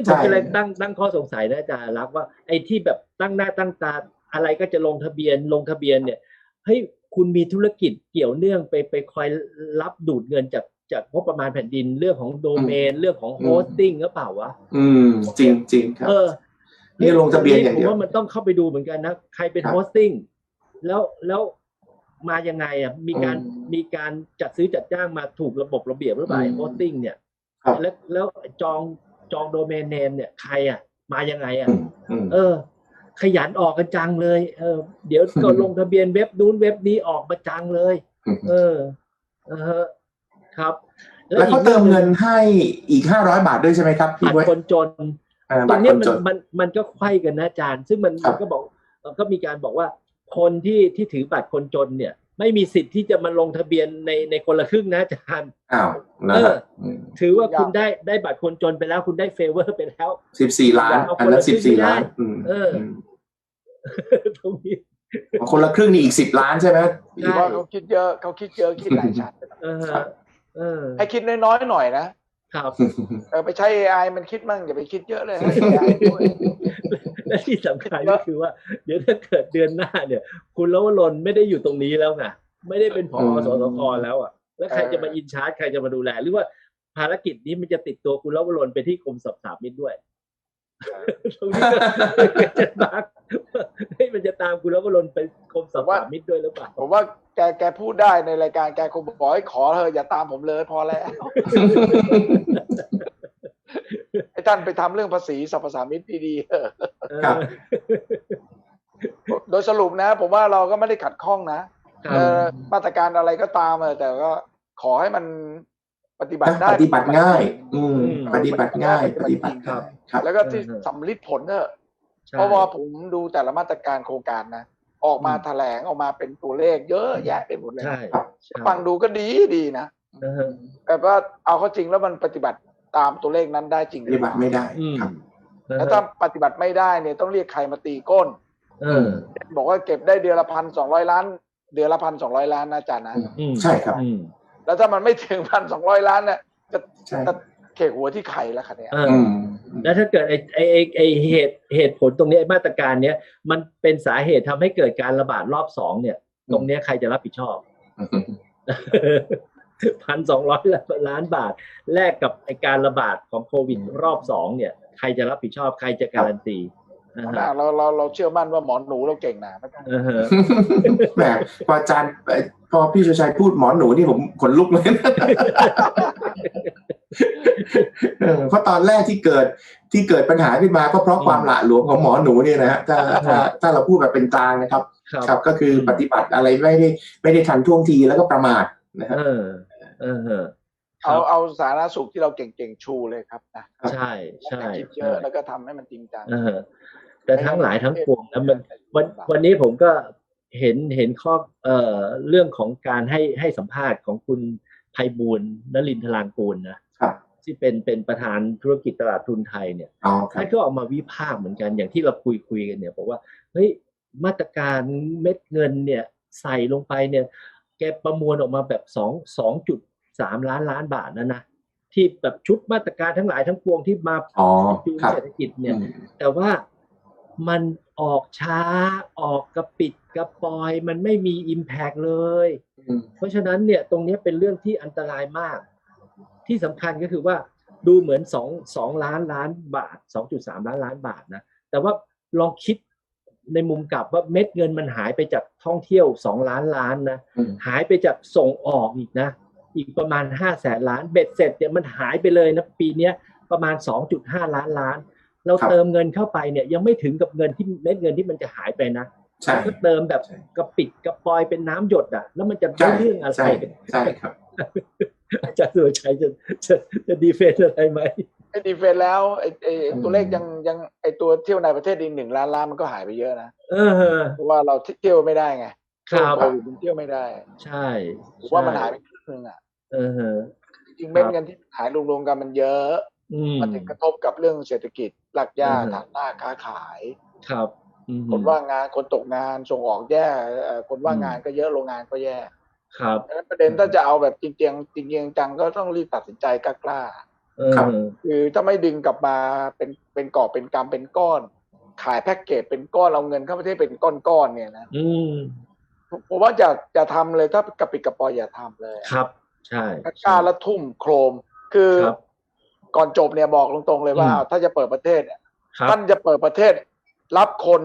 ผมก็เลยตั้งข้อสงสัยนะอาจารย์รักว่าไอ้ที่แบบตั้งหน้าตั้งตาอะไรก็จะลงทะเบียนเนี่ยเฮ้ยคุณมีธุรกิจเกี่ยวเนื่องไปคอยรับดูดเงินจากงบประมาณแผ่นดินเรื่องของโดเมนเรื่องของโฮสติ้งหรือเปล่าวะจริงจริงครับนี่ลงทะเบียนอย่างเดียวผมว่ามันต้องเข้าไปดูเหมือนกันนะใครเป็นโฮสติ้งแล้วมายังไงอ่ะมีการจัดซื้อจัดจ้างมาถูกระบบระเบียบหรือเปล่าโฮสติ้งเนี่ยแล้วจองโดเมนเนมเนี่ยใครอ่ะมายังไงอ่ะขยันออกกันจังเลยเดี๋ยวก็ลงทะเบียนเว็บนู้นเว็บนี้ออกมาจังเลยครับแล้วเขาเติมเงินให้อีก500 บาทด้วยใช่ไหมครับพี่บัตรคนจนตรงนี้มันก็ไขว้กันนะอาจารย์ซึ่งมันก็บอกก็มีการบอกว่าคนที่ถือบัตรคนจนเนี่ยไม่มีสิทธิ์ที่จะมาลงทะเบียนในคนละครึ่งนะอาจารย์ถือว่าคุณได้บัตรคนจนไปแล้วคุณได้เฟเวอร์ไปแล้ว 14 ล้านอันนั้น14 ล้านตรงนี้คนละครึ่งนี่อีก10 ล้านใช่ไหมพี่ว่าเขาคิดเยอะคิดหลายชั้นให้คิดน้อยๆหน่อยนะครับไปใช้ AI มันคิดมั่งอย่าไปคิดเยอะเลยและที่สำคัญก็คือว่าเดี๋ยวถ้าเกิดเดือนหน้าเนี่ยคุณลวรนไม่ได้อยู่ตรงนี้แล้วไงไม่ได้เป็นผอ.สสค.แล้วอ่ะแล้วใครจะมาอินชาร์จใครจะมาดูแลหรือว่าภารกิจนี้มันจะติดตัวคุณลวรนไปที่กรมสรรพสามิตด้วยตรงนี้ก็จะบักมันจะตามคุณลวรนไปกรมสรรพสามิตด้วยหรือเปล่าผมว่าแกพูดได้ในรายการแกคงบอกให้ขอเธออย่าตามผมเลยพอแล้วให้ท่านไปทำเรื่องภาษีสรรพสามิตดีๆโดยสรุปนะผมว่าเราก็ไม่ได้ขัดข้องนะมาตรการอะไรก็ตามแต่ก็ขอให้มันปฏิบัติได้ปฏิบัติง่ายปฏิบัติง่ายปฏิบัติครับแล้วก็ที่สำลิดผลเพราะว่าผมดูแต่ละมาตรการโครงการนะออกมาแถลงออกมาเป็นตัวเลขเยอะแยะไปหมดเลยฟังดูก็ดีนะแต่ว่าเอาเข้าจริงแล้วมันปฏิบัติตามตัวเลขนั้นได้จริงปฏิบัติไม่ได้ครับแล้วถ้าปฏิบัติไม่ได้เนี่ยต้องเรียกใครมาตีก้นบอกว่าเก็บได้เดือนละ1,200 ล้านเดือนละ1,200 ล้านนะอาจารย์นะใช่ครับแล้วถ้ามันไม่ถึง1,200 ล้านเนี่ยจะเขกหัวที่ไข่แล้วค่ะเนี่ยแล้วถ้าเกิดไอเหตุผลตรงนี้มาตรการเนี้ยมันเป็นสาเหตุทำให้เกิดการระบาดรอบ2เนี่ยตรงนี้ใครจะรับผิดชอบ 1,200 ล้านบาทแลกกับไอการระบาดของโควิดรอบ2เนี่ยใครจะรับผิดชอบใครจะการันตีเราเชื่อมั่นว่าหมอหนูเราเก่งนะแหมพออาจารย์พอพี่ชัยพูดหมอหนูนี่ผมขนลุกเลยเพราะตอนแรกที่เกิดปัญหาขึ้นมาก็เพราะความหละหลวมของหมอหนูเนี่ยนะฮะถ้าเราพูดแบบเป็นกลางนะครับครับก็คือปฏิบัติอะไรไม่ได้ทันท่วงทีแล้วก็ประมาทนะครับเอาสาธารณสุขที่เราเก่งๆชูเลยครับนะใช่คิดเยอะแล้วก็ทำให้มันจริงจังแต่ทั้งหลายทั้งปวงนะวันนี้ผมก็เห็นข้อเรื่องของการให้สัมภาษณ์ของคุณไพบูลย์นฤมลธารางกูลนะที่เป็นประธานธุรกิจตลาดทุนไทยเนี่ยท่านก็ออกมาวิพากษ์เหมือนกันอย่างที่เราคุยกันเนี่ยบอกว่าเฮ้ยมาตรการเม็ดเงินเนี่ยใส่ลงไปเนี่ยแกประมวลออกมาแบบ2.3 ล้านบาทนะที่แบบชุดมาตรการทั้งหลายทั้งปวงที่มาจูงเศรษฐกิจเนี่ยแต่ว่ามันออกช้าออกกระปิดกระปอยมันไม่มี impact เลยเพราะฉะนั้นเนี่ยตรงนี้เป็นเรื่องที่อันตรายมากที่สำคัญก็คือว่าดูเหมือน2 ล้านบาท 2.3 ล้านบาทนะแต่ว่าลองคิดในมุมกลับว่าเม็ดเงินมันหายไปจากท่องเที่ยว2 ล้านนะหายไปจากส่งออกอีกนะอีกประมาณ500,000 ล้านเบ็ดเสร็จเนี่ยมันหายไปเลยนะปีนี้ประมาณ 2.5 ล้านเราเติมเงินเข้าไปเนี่ยยังไม่ถึงกับเงินที่เม็ดเงินที่มันจะหายไปนะก็เติมแบบกระปิดกระปอยเป็นน้ำหยดอ่ะแล้วมันจะได้เรื่องอะไรใช่ครับอาจารย์สุรชัยจะดีเฟนอะไรไหมไอ้ดีเฟนแล้วไอ้ตัวเลขยังไอ้ตัวเที่ยวในประเทศอีก1 ล้านล้านมันก็หายไปเยอะนะเพราะว่าเราเที่ยวไม่ได้ไงโควิดมันเที่ยวไม่ได้ใช่ว่ามันหายไปครึ่งนึงอ่ะจริงเม็ดเงินที่หายรวมๆกันมันเยอะมันถึงกระทบกับเรื่องเศรษฐกิจหลักย่าฐานหน้าค้าขายครับคนว่างงานคนตกงานส่งออกแย่คนว่างงานก็เยอะโรงงานก็แย่ครับประเด็นถ้าจะเอาแบบจริงจังก็ต้องรีบตัดสินใจกล้าครับคือถ้าไม่ดึงกลับมาเป็นกอบเป็นกำเป็นก้อน ขายแพ็กเกจเป็นก้อนเอาเงินเข้าประเทศเป็นก้อนๆเนี่ยนะผมว่าจะทำเลยถ้ากระปิดกระปอยอย่าทำเลยครับใช่กล้าละทุ่มโครมคือก่อนจบเนี่ยบอกตรงๆเลยว่าถ้าจะเปิดประเทศเนี่ยท่านจะเปิดประเทศรับคน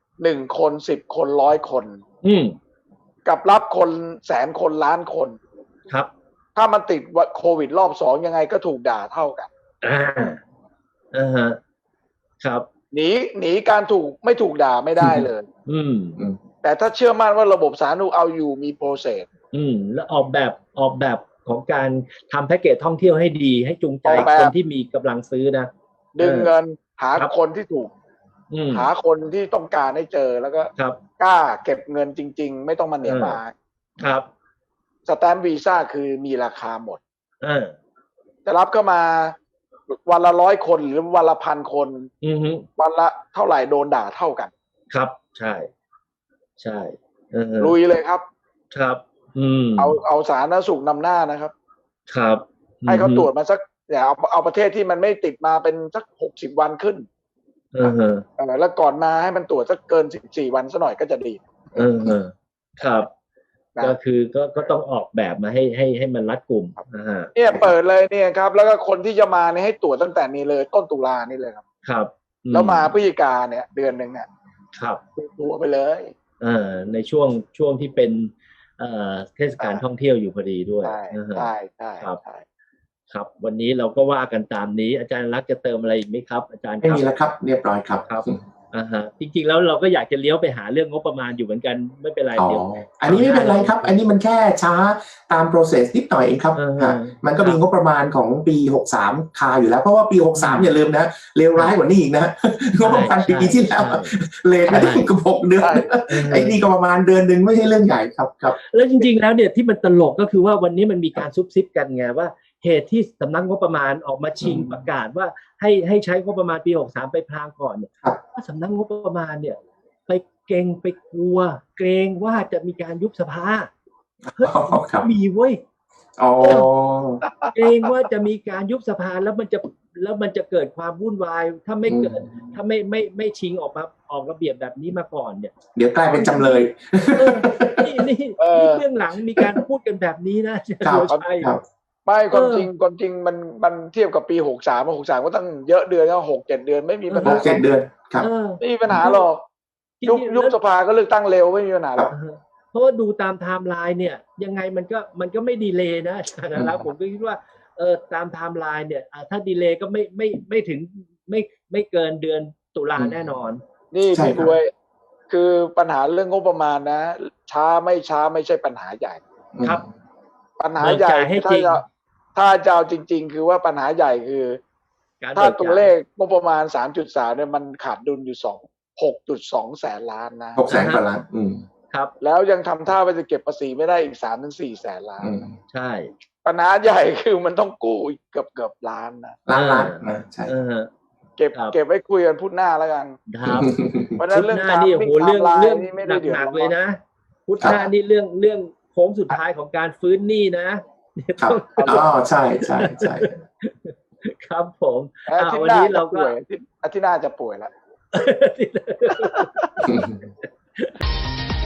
1 คน10 คน100 คนกับรับคน100,000 คนล้านคนครับถ้ามันติดโควิดรอบ2ยังไงก็ถูกด่าเท่ากันฮะครับหนีการไม่ถูกด่าไม่ได้เลยแต่ถ้าเชื่อมั่นว่าระบบสาธารณสุขเอาอยู่มีโปรเซสแล้วออกแบบของการทำแพ็กเกจท่องเที่ยวให้ดีให้จูงใจคนที่มีกำลังซื้อนะดึงเงินหาคนที่ถูกหาคนที่ต้องการให้เจอแล้วก็กล้าเก็บเงินจริงๆไม่ต้องมาเหนียวมาครับสแตมป์วีซ่าคือมีราคาหมดจะรับเข้ามาวันละ100 คนหรือวันละ1,000 คนวันละเท่าไหร่โดนด่าเท่ากันครับใช่ลุยเลยครับครับเอาสาธารณสุขนำหน้านะครับครับให้เขาตรวจมาสักอย่าเอาประเทศที่มันไม่ติดมาเป็นสัก60 วันขึ้นแล้วก่อนมาให้มันตรวจสักเกิน14 วันซะหน่อยก็จะดีครับก็คือก็ต้องออกแบบมาให้มันรัดกุมเนี่ยเปิดเลยเนี่ยครับแล้วก็คนที่จะมาเนี่ยให้ตรวจตั้งแต่นี้เลยต้นตุลานี่เลยครับครับแล้วมาพฤศจิกาเนี่ยเดือนหนึ่งเนี่ยครับตัวไปเลยในช่วงที่เป็นเทศกาลท่องเที่ยวอยู่พอดีด้วยใช่ครับวันนี้เราก็ว่ากันตามนี้อาจารย์รักจะเติมอะไรอีกไหมครับอาจารย์ไม่มีแล้วครับเรียบร้อยครับจริงๆแล้วเราก็อยากจะเลี้ยวไปหาเรื่องงบประมาณอยู่เหมือนกันไม่เป็นไรเดี๋ยวอันนี้ไม่เป็นไรครับอันนี้มันแค่ช้าตาม process นิดหน่อยเองครับมันก็มีงบประมาณของปี63คาอยู่แล้วเพราะว่าปี63อย่าลืมนะเลวร้ายกว่านี้อีกนะงบประมาณปีที่แล้วเลทไม่ได้กับ6 เดือนไอ้นี่ก็ประมาณเดือนนึงไม่ใช่เรื่องใหญ่ครับแล้วจริงๆแล้วเนี่ยที่มันตลกก็คือว่าวันนี้มันมีการซุบซิบกันไงว่าเหตุที่สำนักงบประมาณออกมาชิงประกาศว่าให้ใช้งบประมาณปี63ไปพลางก่อนเนี่ยว่าสำนักงบประมาณเนี่ยไปเกรงไปกลัวเกรงว่าจะมีการยุบสภามีเว้ยเกรงว่าจะมีการยุบสภาแล้วมันจะเกิดความวุ่นวายถ้าไม่เกิดถ้าไม่ชิงออกระเบียบแบบนี้มาก่อนเนี่ยเดี๋ยวกลายเป็นจำเลยนี่เรื่องหลังมีการพูดกันแบบนี้นะใช่ไม่ความจริงมันเทียบกับปี63ก็ตั้งเยอะเดือนก็6-7 เดือนไม่มีปัญหา 6-7 เดือนครับไม่มีปัญหาหรอกยุบสภาก็เลือกตั้งเร็วไม่มีปัญหาหรอกเพราะว่าดูตามไทม์ไลน์เนี่ยยังไงมันก็ไม่ดีเลย์นะอาจารย์นะผมก็คิดว่าตามไทม์ไลน์เนี่ยถ้าดีเลย์ก็ไม่ถึงไม่เกินเดือนตุลาแน่นอนนี่พี่ด้วยคือปัญหาเรื่องงบประมาณนะช้าไม่ใช่ปัญหาใหญ่ครับปัญหาใหญ่ถ้าจะเอาจริงๆคือว่าปัญหาใหญ่คือถ้าตัวเลขงบประมาณ 3.3 เนี่ยมันขาดดุลอยู่6.2 แสนล้านนะ 6 แสนกว่าล้านครับแล้วยังทำท่าว่าจะเก็บภาษีไม่ได้อีก 3-4 แสนล้านใช่ปัญหาใหญ่คือมันต้องกู้อีกเกือบล้านนะล้านนะใช่เก็บไว้คุยกันพุธหน้าแล้วกันครับเพราะนั้นเรื่องการนี่โหเรื่องไม่ได้หนักเลยนะพุธหน้านี่เรื่องโค้งสุดท้ายของการฟื้นหนี้นะครับใช่ครับผมวันนี้เราก็อาทิตย์หน้าจะป่วยแล้ว